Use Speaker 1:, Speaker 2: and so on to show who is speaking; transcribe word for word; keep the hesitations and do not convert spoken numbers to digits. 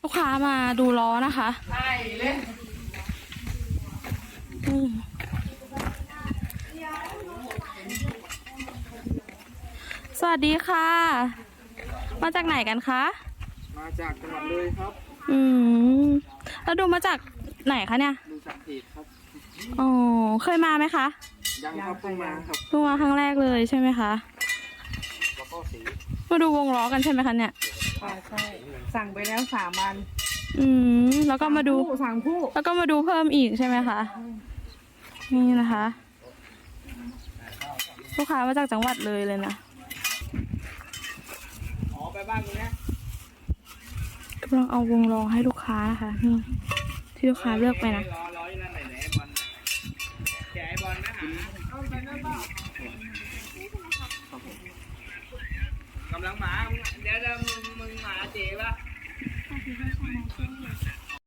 Speaker 1: ลูกค้ามาดูล้อนะคะใช่เล่นสวัสดีค่ะ มาจากไหนกันคะ
Speaker 2: มาจากจังหวัดเลยครับ
Speaker 1: อืมแล้วดูมาจากไหนคะเนี่ย
Speaker 2: ดูจากเพจครับ
Speaker 1: อ๋อเคยมาไหมคะ
Speaker 2: ยังครับเพิ่งมาครับ
Speaker 1: เพิ่งมาครั้งแรกเลยใช่ไหมคะ
Speaker 2: แล้วก็สี
Speaker 1: มาดูวงล้อกันใช่ไหมคะเนี่ย
Speaker 3: ค่ะใช่สั่งไปแล้วสามวัน
Speaker 1: อืมแล้วก็มาดู
Speaker 3: สั่งคู่
Speaker 1: แล้วก็มาดูเพิ่มอีกใช่ไหมคะนี่นะคะลูกค้ามาจากจังหวัดเลยเลยนะ
Speaker 2: อ๋อไปบ้านตรงนี้
Speaker 1: กำลังเอาวงล้อให้ลูกค้านะคะนี่ที่ลูกค้าเลือกไปนะ
Speaker 2: ล้อล้อนั่นไหนไหนบอลแกไอบอลนะฮะเอาไปนั่นเปล่ากำลังหมาเดี๋ยวมึงมึงหมาเจ๋ปะ